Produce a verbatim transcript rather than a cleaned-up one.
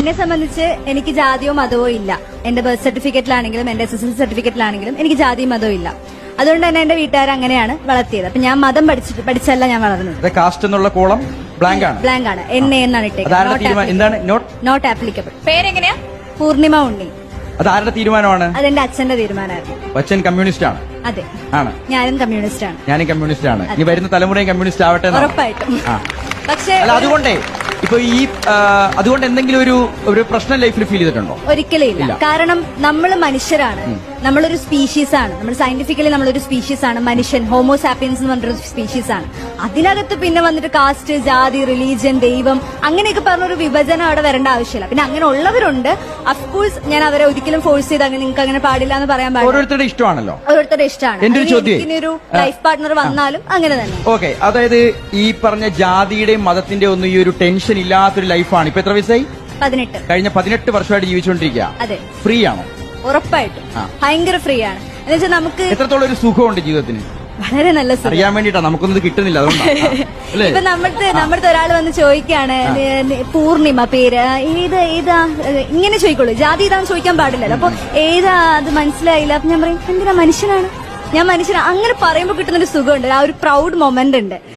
എന്നെ സംബന്ധിച്ച് എനിക്ക് ജാതിയോ മതമോ ഇല്ല. എന്റെ ബർത്ത് സർട്ടിഫിക്കറ്റിലാണെങ്കിലും എന്റെ എസ് എസ് എൽ സർട്ടിഫിക്കറ്റിലാണെങ്കിലും എനിക്ക് ജാതിയും മതവും ഇല്ല. അതുകൊണ്ട് തന്നെ എന്റെ വീട്ടുകാർ അങ്ങനെയാണ് വളർത്തിയത്. അപ്പൊ ഞാൻ മതം പഠിച്ചിട്ട് പഠിച്ചല്ല ഞാൻ വളർന്നത്. കാസ്റ്റ് എന്നുള്ള കോളം ബ്ലാങ്ക് ആണ് ബ്ലാങ്ക് ആണ്. എൻ എ എന്നാണ് ഇട്ടേക്കുന്നത്. Not applicable. പേരെങ്ങനെയാ? പൂർണിമ ഉണ്ണി. അത് ആരുടെ തീരുമാനമാണ്? അതെന്റെ അച്ഛന്റെ തീരുമാനമായിരുന്നു. അച്ഛൻ കമ്മ്യൂണിസ്റ്റ് ആണ്. അതെ, ആണ്. ഞാനും കമ്മ്യൂണിസ്റ്റ് ആണ്. ഞാനും കമ്മ്യൂണിസ്റ്റ് ആണ്. ഇനി വരുന്ന തലമുറയും കമ്മ്യൂണിസ്റ്റ് ആവട്ടെ. ഉറപ്പായിട്ടും. പക്ഷേ അല്ല, അതുകൊണ്ടേ ഇപ്പൊ ഈ അതുകൊണ്ട് എന്തെങ്കിലും ഒരു ഒരു പ്രശ്നം ലൈഫിൽ ഫീൽ ചെയ്തിട്ടുണ്ടോ? ഒരിക്കലും ഇല്ല. കാരണം നമ്മൾ മനുഷ്യരാണ്. നമ്മളൊരു സ്പീഷീസ് ആണ്. നമ്മൾ സയന്റിഫിക്കലി നമ്മളൊരു സ്പീഷീസ് ആണ്. മനുഷ്യൻ ഹോമോസാപ്പിയൻസ് എന്ന് പറഞ്ഞൊരു സ്പീഷീസ് ആണ്. അതിനകത്ത് പിന്നെ വന്നിട്ട് കാസ്റ്റ്, ജാതി, റിലീജിയൻ, ദൈവം അങ്ങനെയൊക്കെ പറഞ്ഞൊരു വിഭജനം അവിടെ വരേണ്ട ആവശ്യമില്ല. പിന്നെ അങ്ങനെ ഉള്ളവരുണ്ട്. അഫ്കോഴ്സ് ഞാൻ അവരെ ഒരിക്കലും ഫോഴ്സ് ചെയ്ത് അങ്ങനെ നിങ്ങൾക്ക് അങ്ങനെ പാടില്ല എന്ന് പറയാൻ പാടില്ല. ഓരോരുത്തരുടെ ഇഷ്ടമാണല്ലോ. ഓരോരുത്തരുടെ ഇഷ്ടമാണ്. എന്റെ ഒരു ചോദ്യം, ഒരു ലൈഫ് പാർട്ട്ണർ വന്നാലും അങ്ങനെ തന്നെ. ഓക്കെ, അതായത് ഈ പറഞ്ഞ ജാതിയുടെയും മതത്തിന്റെ ഒന്നും ഈ ഒരു ടെൻഷൻ ഇല്ലാത്തൊരു ലൈഫാണ്. ഇപ്പൊ എത്ര വയസ്സായി? പതിനെട്ട്. കഴിഞ്ഞ പതിനെട്ട് വർഷമായിട്ട് ജീവിച്ചുകൊണ്ടിരിക്കുക. അതെ. ഫ്രീ ആണോ? ഉറപ്പായിട്ടും ഭയങ്കര ഫ്രീ ആണ്. എന്ന് വെച്ചാൽ നമുക്ക് എത്രത്തോളം ഒരു സുഖമുണ്ട് ജീവിതത്തിന്? വളരെ നല്ല സുഖം. അറിയാൻ വേണ്ടിട്ടാ, നമുക്കൊന്നും കിട്ടുന്നില്ല. അതുകൊണ്ടാണ്. ഇപ്പൊ നമ്മുടെ നമ്മുടെ ഒരാൾ വന്ന് ചോദിക്കാണ് പൂർണിമ പേര് ഏത് ഏതാ ഇങ്ങനെ ചോദിക്കുള്ളൂ. ജാതി ഇതാന്ന് ചോദിക്കാൻ പാടില്ലല്ലോ. അപ്പൊ ഏതാ അത് മനസ്സിലായില്ല. അപ്പൊ ഞാൻ പറയും എന്തിനാ, മനുഷ്യനാണ് ഞാൻ, മനുഷ്യനാണ്. അങ്ങനെ പറയുമ്പോൾ കിട്ടുന്നൊരു സുഖമുണ്ട്. ആ ഒരു പ്രൗഡ് മൊമെന്റ് ഉണ്ട്.